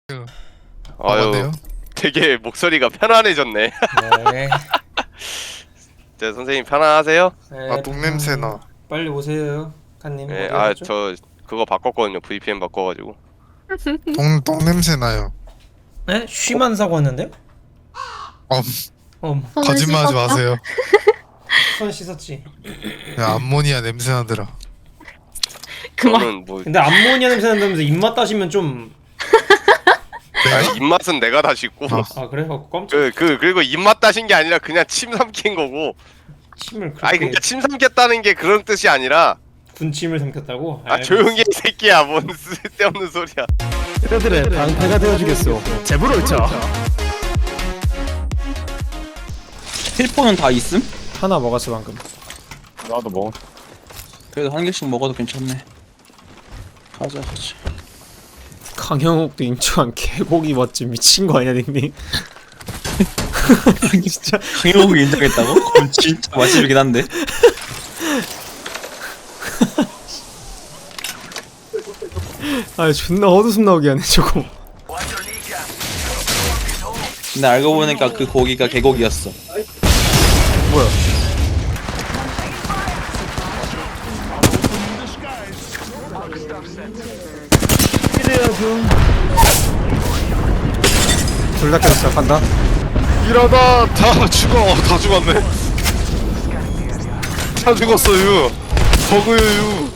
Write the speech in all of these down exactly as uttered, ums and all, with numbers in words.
아유, 되게 목소리가 편안해졌네. 네. 자, 선생님 편안하세요? 네, 아 똥냄새나. 빨리 오세요, 칸님. 네, 어디 아, 가셨죠? 저 그거 바꿨거든요. 브이피엔 바꿔가지고. 똥 똥냄새나요. 네? 쉬만 사고 왔는데요? 어, 어, 거짓말하지 마세요. 손 씻었지. 야, 암모니아 냄새나더라. 그만. 저는 뭐, 근데 암모니아 냄새 난다면서 입맛 따시면 좀... 아니, 입맛은 내가 다 씻고. 아. 아 그래? 어, 깜짝 그, 그, 그리고 입맛 따신 게 아니라 그냥 침 삼킨 거고. 침을 그렇게... 아니, 그러니까 침 삼켰다는 게 그런 뜻이 아니라. 군침을 삼켰다고? 아, 조용히 해, 이 새끼야. 뭔 쓸데없는 소리야. 그들의 방패가 되어주겠소. 제부를 쳐. 힐포는 다 있음? 하나 먹었어 방금. 나도 먹어. 그래도 한 개씩 먹어도 괜찮네. 가자 가자. 강형욱도 인정한 개고기 맛집 미친 거 아니야 닉님? 진짜 강영욱이 인정했다고? 그럼 진짜 맛집이긴 한데. 아 존나 헛웃음 나오게 하네 저거. 근데 알고 보니까 그 고기가 개고기였어. 뭐야? 둘 다 깨졌어. 간다. 이러다 다 죽어. 다 죽었네. 다 죽었어요. 버그요.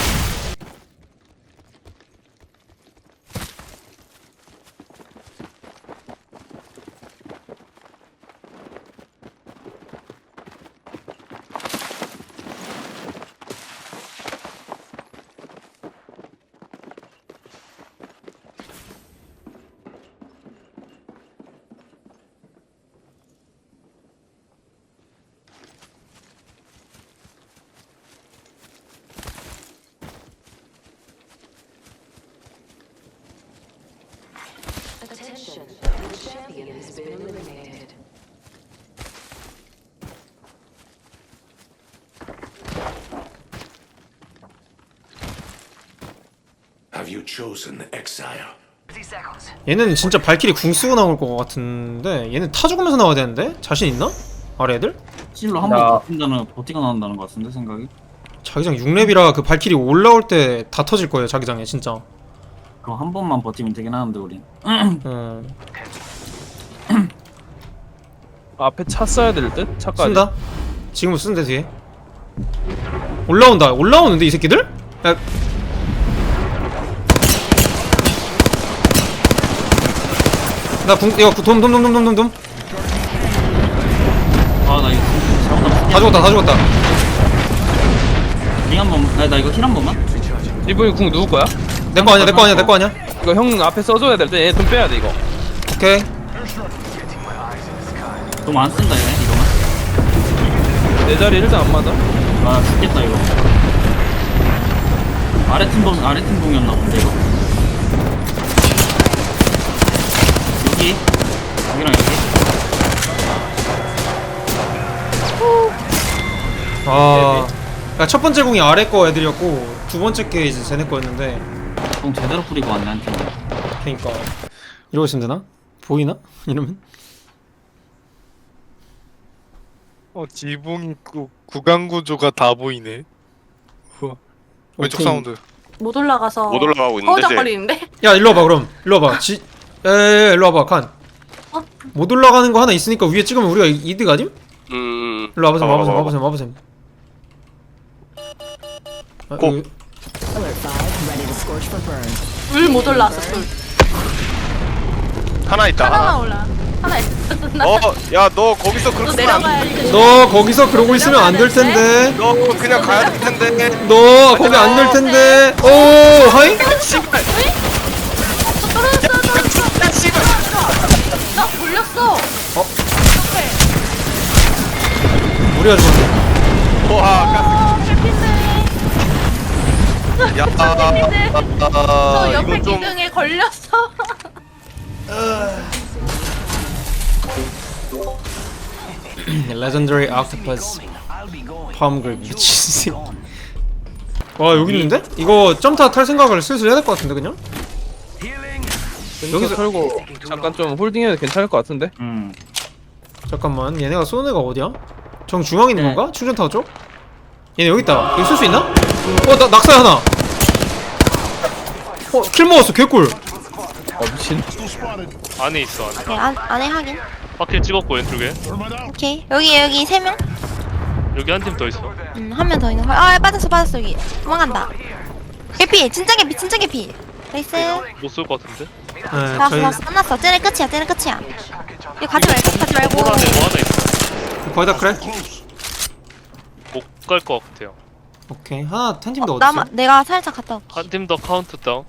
Attention, the champion has been eliminated. Have you chosen exile? 얘는 진짜 발키리 궁 쓰고 나올 것 같은데 얘는 타 죽으면서 나와야 되는데? 자신 있나? 아래 애들? 찔로 한 번 버틴다는 버티가 나온다는 것 같은데 생각이. 자기장 육 렙이라 그 발키리 올라올 때 다 터질 거예요 자기장에 진짜. 그럼 한 번만 버티면 되긴 하는데 우린. 음. 앞에 차 써야 될 듯? 차까지. 쓴다? 지금 쓰는데 뒤에 올라온다. 올라오는데 이 새끼들? 야. 나 궁.. 이거 돔돔돔돔돔돔 아 나 이거 잘못하면 다 죽었다 다 죽었다. 링한 번. 나, 나 이거 힐 한 번만. 이분이 궁 누구 거야? 내 거 아니야 내 거 아니야 내 거 아니야. 이거 형 앞에 써줘야 될 때 얘 좀 빼야 돼 이거. 오케이. 너무 안 쓴다 얘네 이거만. 내 자리 일단 안 맞아. 아 죽겠다 이거. 아래 팀봉 아래 팀봉이었나 본데 이거. 여기 여기랑 여기. 아, 그러니까 첫 번째 공이 아래 거 애들이었고 두 번째 게 이제 쟤네 거였는데. 공 제대로 뿌리고 왔네 한 팀. 그러니까 이러고 있으면 되나? 보이나? 이러면? 어, 지붕 구, 구간 구조가 다 보이네. 우와. 왼쪽 오케이. 사운드. 못 올라가서 못 올라가고 있는데, 쟤. 허우적거리는데? 야 일로 와봐 그럼. 일로 와봐. 지.. 에에에 일로 와봐 칸. 어? 못 올라가는 거 하나 있으니까 위에 찍으면 우리가 이- 이득 아님? 음, 일로 와보세요 봐봐, 와보세요 봐봐. 와보세요 와보세요. 아, 고. 여기- 물 못 올라왔어, 물. 하나 있다, 하나만 하나. 올라. 하나 있어. 나 어, 야, 너 거기서 또 그렇게 하면 안 내려가야지. 너 거기서 그러고 있으면 안 될 텐데. 너 그냥 가야 될 텐데. 너 거기 안 될 텐데. 오 하이? 씨발. 떨어졌어, 떨어졌어. 야, 씨발. 나 걸렸어. 어? 어떡해. 우리가 죽었네. 와, 어, 해피네. 야, 아, 해피네. 아, 저 옆에 이거 좀. 기둥에 걸렸어. 레전더리 octopus palm grip 미친 새끼. 와 여기 있는데? 이거 점타 탈 생각을 슬슬 해야 될 것 같은데 그냥? 여기서- 여기서 털고 잠깐 좀 홀딩해도 괜찮을 것 같은데? 음. 잠깐만 얘네가 쏘는 애가 어디야? 정 중앙에 있는 네. 건가? 충전타워 쪽? 얘네 여기 있다. 여기 쏠 수 있나? 어, 나 낙사 하나. 어, 킬 먹었어. 개꿀. 어 미친. 안에 있어 안에. 오케이, 안, 안에 확인. 파킬 찍었고 왼쪽에. 오케이. 여기, 여기 세 명? 여기 한 팀 더 있어. 음, 한 명 더 있는 거. 아, 빠졌어, 빠졌어, 여기. 도망간다. 개피, 진짜 개피, 진짜 개피. 나이스. 못 쏠 것 같은데. 네, 나왔어, 저희 나왔어. 끝났어. 쟤네 끝이야, 쟤네 끝이야. 이거 가지 말고, 가지 말고. 홀 안에 뭐 하나 있어. 거의 다 그래? 못 갈 것 같아요. 오케이. 하나 한 팀 더 어디 나마, 있어? 내가 살짝 갔다 올게. 한 팀 더 카운트 다운.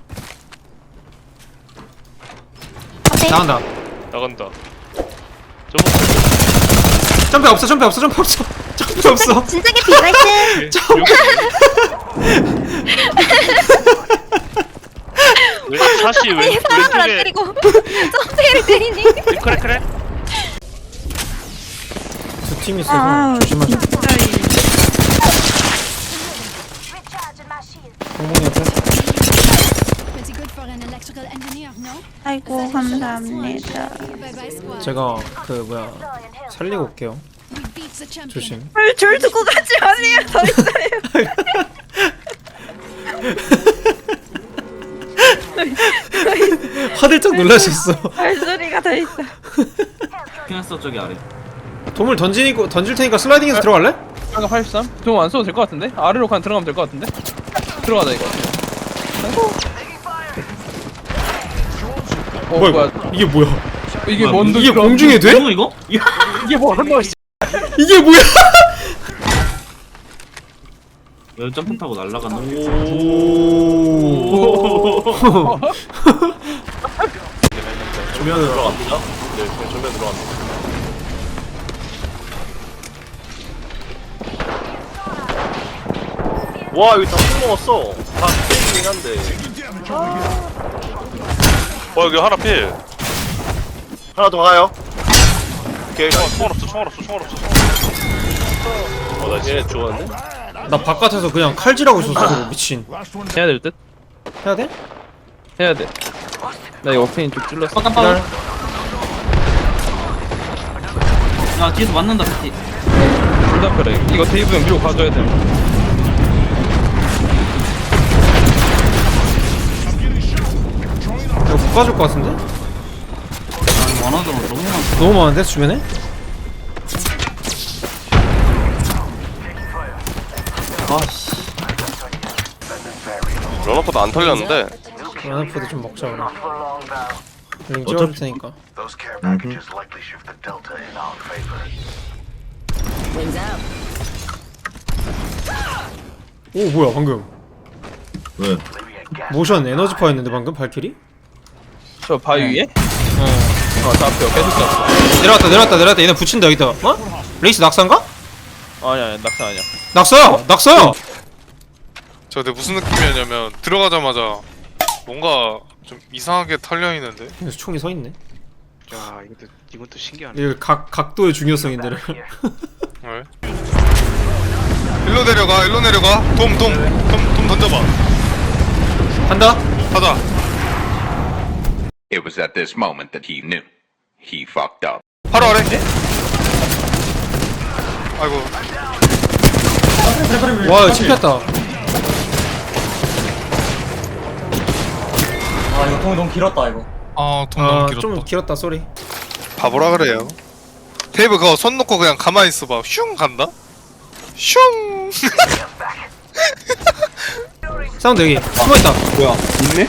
앞에. 나간다. 나간다. 저거 점프 없어. 점프 없어. 점프 없어. 점프 없어. 진짜 개피, 나이스. 왜 사시 왼 아니, 사람을 안 왼쪽에 때리고. 점프를 때리니. 그래 그래. 두 팀 있어서 아, 조심하자. 공공이 옆에. 아이고, 감사합니다. 제가 그 뭐야 살리고 올게요. 조심. 줄 두고 가지 마세요. 더 있어요. 화들짝 놀라셨어. 발소리가 더 있어. 피났어 저기 아래. 도물 던지니까 던질 테니까 슬라이딩해서 들어갈래? 아까 팔십삼? 좀 안 써도 될 것 같은데? 아래로 그냥 들어가면 될 것 같은데? 들어가자 이거. 어 뭐야, 뭐야? 이거? 이게 뭐야? 이게 뭐야, 뭔데? 이게 공중에 돼? 뭐 이거? 이거? 이게 뭐 한 번. 이게 뭐야? 왜 점프 타고 날아가는 오. 조면으로 들어갑니다. 네, 그냥 조면 들어갑니다. 와 여기 다술 먹었어. 다 게임이긴 한데. 어 여기 하나 필. 하나 더 가요. 오케이. 총알 없어, 총알 없어, 총알 없어. 어나 얘네 좋았는데? 나 바깥에서 그냥 칼질하고 있었어. 미친. 해야 될 듯? 해야 돼? 해야 돼. 나 이거 오페인 좀 찔렀어. 깜빡. 야 뒤에서 맞는다 피티. 둘다 그래. 이거 데이브 형 밀고 가줘야 돼. 이거 못 가줄 것 같은데? 아 원하던 거 너무 많아. 너무 많은데 주변에? 아씨. 런어포도 안 털렸는데. 연합포도 좀 먹자 그럼. 링 찍어줄 테니까. Those care packages likely shift the delta in our favor. 오 뭐야 방금. 왜? 모션 에너지파 했는데 방금 발키리? 저 바위 위에? 어. 어, 저 앞에 계속 쐈어. 내려왔다 내려왔다 내려왔다. 얘네 붙인다 여기다. 어? 레이스 낙사인가? 아니야, 아니야, 낙사 아니야. 낙서야! 낙서야! 저 근데 무슨 느낌이었냐면 들어가자마자 뭔가 좀 이상하게 털려 있는데. 그래서 총이 서 있네. 야 이것도 이것도 신기하네. 이거 각 각도의 중요성인데를. 왜? 일로 내려가, 일로 내려가. 돔, 돔, 돔, 돔 던져봐. 한다. 가자. It was at this moment that he knew. He fucked up. 바로 아래. 아이고. 와 이거 찝혔다. 아 이거 통 너무 길었다 이거. 아, 돔 너무 길었다. 아좀 길었다 쏘리. 바보라 그래요. 테이블 그거 손 놓고 그냥 가만히 있어봐. 슝 간다. 슝. 사운드 여기 숨어있다. 뭐야? 있네?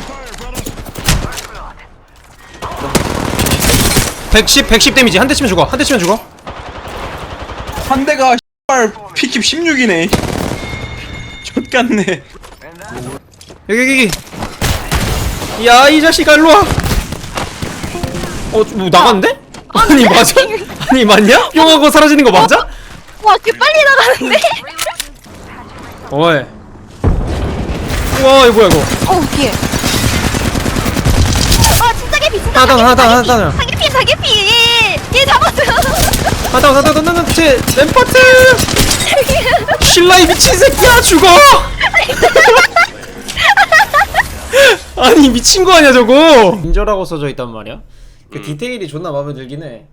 백십 백십 데미지 한 대 치면 죽어. 한 대 치면 죽어. 한 대가 씨발 피킵 십육이네. 좆같네. 여기 여기 여기. 야 이 자식아 일로와. 어 뭐 나갔는데? 아니 맞아? 아니 맞냐? 뿅하고 사라지는 거 맞아? 와, 개 빨리 나가는데? 어이. 우와 이거 뭐야 이거. 어우, 뒤에. 아, 진짜 개피, 진짜 하나 하나 하나 개피. 하나. 사개피, 사개피. 얘 잡았어요. 하다 하다 하다 하다 제 램파트. 신라이 미친 새끼야 죽어. 아니 미친 거 아니야 저거. 인저라고 써져 있단 말이야. 그 음. 디테일이 존나 마음에 들긴 해.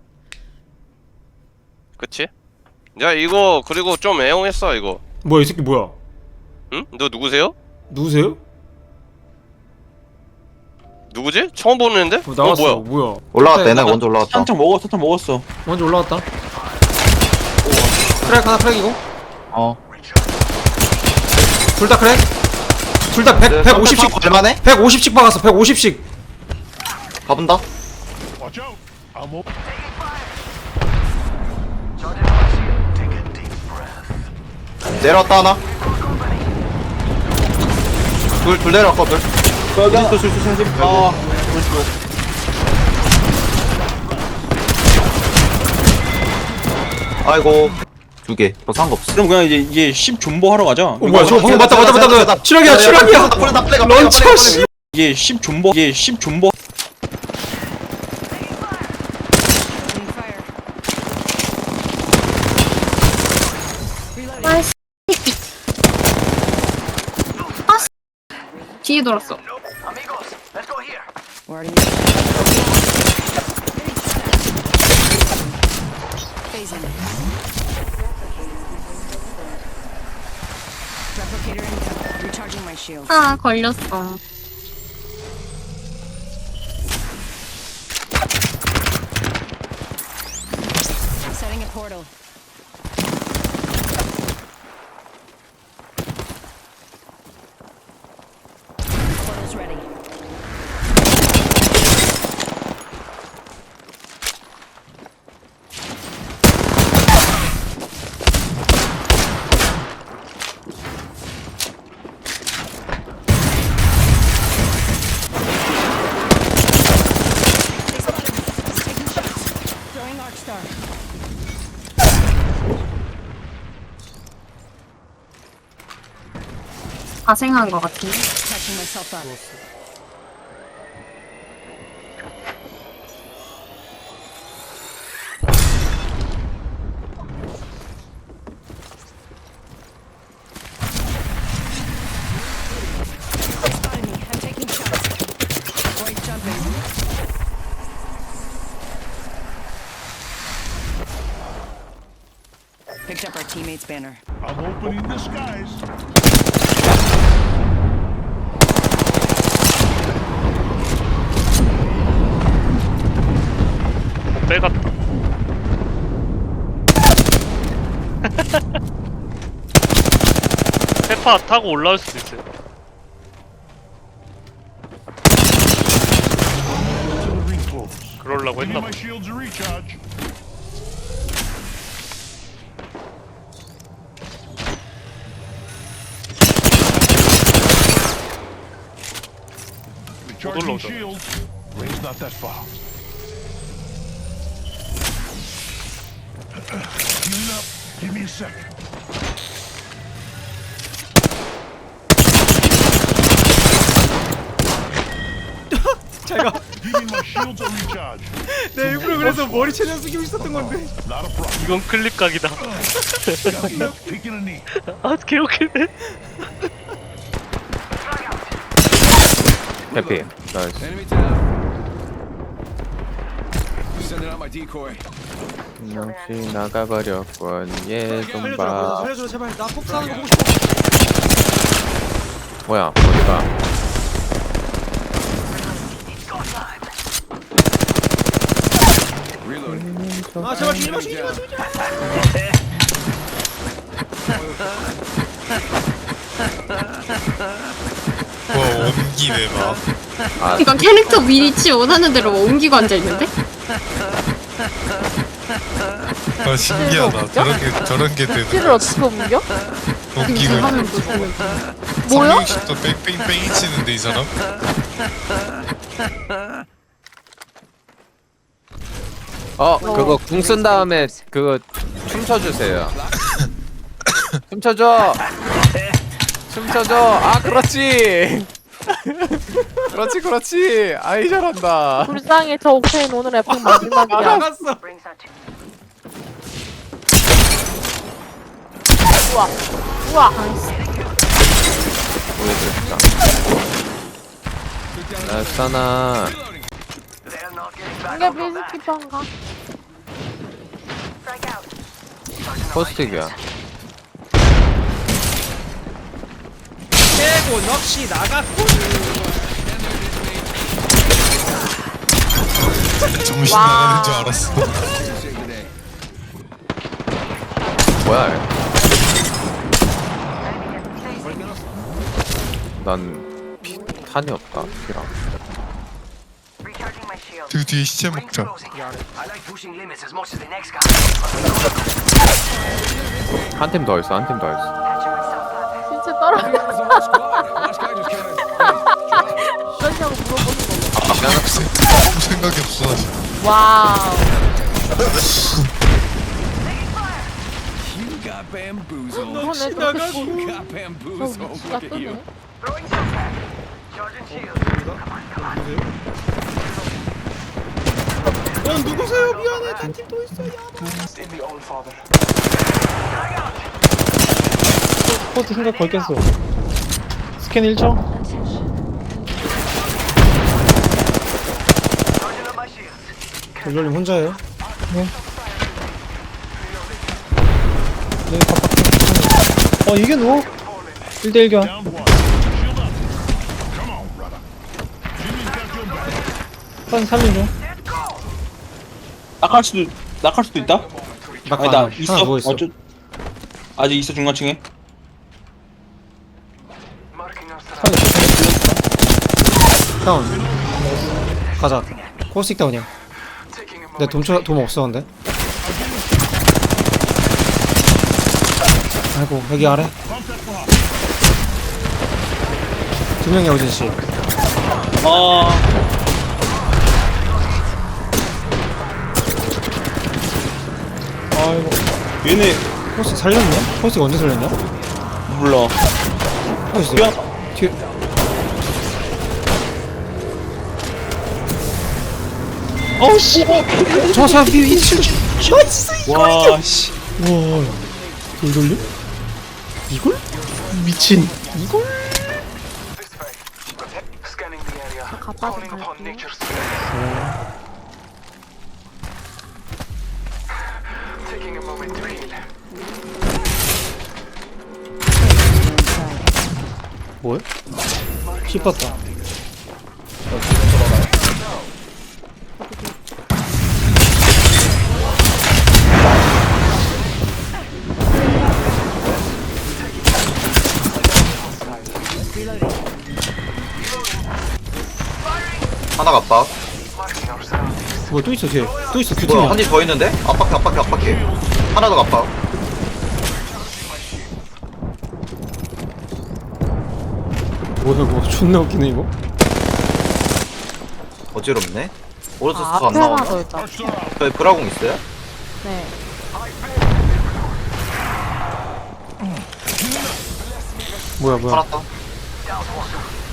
그치? 야 이거 그리고 좀 애용했어 이거. 뭐야 이 새끼 뭐야? 응? 너 누구세요? 누구세요? 누구지? 처음 보는데? 어, 나왔어. 어, 뭐야? 뭐야? 올라갔다. 얘네 먼저 올라갔다. 한창 먹었어. 한창 먹었어. 먼저 올라왔다. 크랙 하나 크랙이고. 어. 둘 다 크랙. 둘 다 백 백오십씩 얼마네? 백오십씩 박았어. 백오십씩. 가본다. 내려왔다 하나. 둘, 둘 내려왔거든. 여기 하나. 아, 아이고. 두 개. 더 상관없어. 그럼 그냥 이제 이제 십 존버 하러 가자. 어 뭐야 저거 방금 맞다 맞다 맞다 맞다. 추락이야 추락이야. 런처 씨. 이게 십 존버 이게 십 존버. 아, 씨. 아, 씨. 뒤에 돌았어. Phasing. Replicator incoming. Recharging my shield. 아, 걸렸어. Setting a portal. Portal's ready. Throwing Arc Star. 가생한 거 같은데. Catching myself up. Spotted me. I'm taking shots. Void jumping. Picked up our teammate's banner. 빼갔다. 페파 타고 올라올 수도 있어요. 그러려고 했나 봐. 못 올라오잖아. 제가 내 일부러 그래서 머리 최대한 숙이고 있었던 건데. 이건 클립 각이다. 아 개웃기네. 해피. 역시 나가버렸군. 예좀 봐. 살려줘 제발. 나 폭사하는 거 보고 싶어. 뭐야 어디가? 아 제발 죽이지 마 죽이지 마 죽이지 마. 와, 옮기네, 막. 아 이건 캐릭터 위치 원하는 대로 옮기고 앉아있는데? 아, 신기하다. 저런 게, 저런 게 되는. 키를 어떻게 옮겨? 옮기고. 하면 무슨 뭐야? 삼백육십도 뺑뺑뺑이 치는데, 이 사람? 어 그거 궁 쓴 다음에 그거 춤춰주세요. 춤춰줘. 춤춰줘. 아 그렇지. 그렇지 그렇지. 아이 잘한다. 불쌍해 저 옥테인 오늘 에픽 마지막이야. 나갔어. 우와 우와 보여드렸다. 알싸나. 이게 비스키퍼인가? 포스틱이야. 깨고 넋이 나갔고. 정신 와. 나가는 줄 알았어. 뭐야? 얘. 난 피, 탄이 없다. 피랑. 그 뒤에 시체 먹자. 한 팀 더 있어. 한 팀 더 있어. 진짜 떨어져. 그러냐고 물어보는 거. 아무 생각이 없어. 와우. 그러네, 저 위치가 뜨네. 어 누구세요? 미안해. 한 팀 또 있어요. 포트 생각 걸겠어. 스캔 일 초. 돌돌님 혼자예요? 네, 갑박. 어, 이게 누워? 일 대 일 교환. 한 삼 인 중. 낙할 수도, 낙할 수도 있다? 나 아니, 나 하나 있어. 누워 있어. 어쩌... 아직 있어, 중간층에. 다운. 가자. 코스틱 다운이야. 내 돈초 돈 없어 근데. 아이고 여기 아래. 두 명이야 우진 씨. 아, 아이고. 얘네, 코스틱 살렸냐? 코스틱 언제 살렸냐? 몰라. 코스틱. 야, 뒤에. 어우, 씨. 저 사람 뒤에 이칠. 와, 씨. 와. 돌돌림? 이걸? 미친. 이걸? 가빠 좀 갈게. 뭐야? 씹었다. 하나가 압박. 뭐야 또 있어 뒤에. 또 있어 뭐야 큐팅이야. 한 팀 더 있는데? 압박해 압박해 압박해. 하나 더 압박. 뭐야 이거 존나 웃기네 이거. 어지럽네. 오른쪽 아, 스안 앞에 하나 나오나? 더 있다. 저희 브라공 있어요? 네. 뭐야 뭐야. 하나